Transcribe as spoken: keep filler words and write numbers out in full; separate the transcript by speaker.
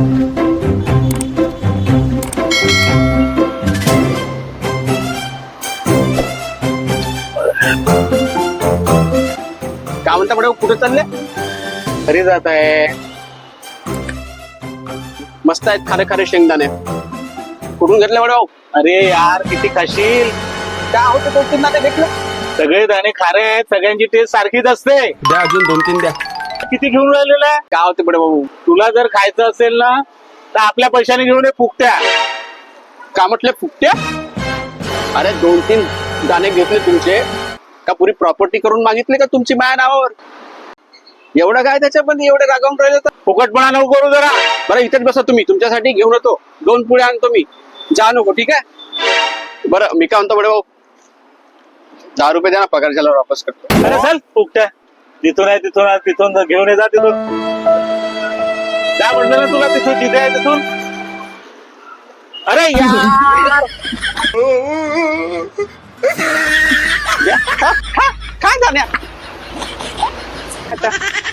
Speaker 1: काय म्हणता मॅडम, कुठे चालले? घरी जात आहे. मस्त आहेत खारे खारे शेंगदाणे. कुठून घेतले मॅडम? अरे यार किती खाशील. काय होतं दोन तीन दाणे घेतले?
Speaker 2: सगळे दाणे खारे आहेत, सगळ्यांची टेस्ट सारखीच असते.
Speaker 1: द्या अजून दोन तीन द्या.
Speaker 2: किती घेऊन राहिलेला आहे?
Speaker 1: काय होते बडे भाऊ?
Speaker 2: तुला जर खायचं असेल ना तर आपल्या पैशाने घेऊन ये फुकट्या.
Speaker 1: का म्हटले फुकट्या? अरे दोन तीन दाणे घेतले तुमचे का पुरी प्रॉपर्टी करून मागितली का तुमची माया नावावर? एवढं काय त्याच्यामध्ये एवढे रागावून राहिले तर?
Speaker 2: फुकटपणा नको करू जरा.
Speaker 1: बरं इथेच बसा तुम्ही, तुमच्यासाठी घेऊन येतो. दोन पुढे आणतो मी. जा नको, ठीक आहे? बरं मी काय म्हणतो बडे भाऊ, दहा रुपये द्या ना, पगार झाल्यावर वापस करतो.
Speaker 2: अरे चल फुकट्या. तिथून आहे तिथून आहे तिथून घेऊन ये जा तिथून. काय म्हटलं ना तुला, तिथून जिथे आहे तिथून. अरे यार
Speaker 1: काय जाण्या आता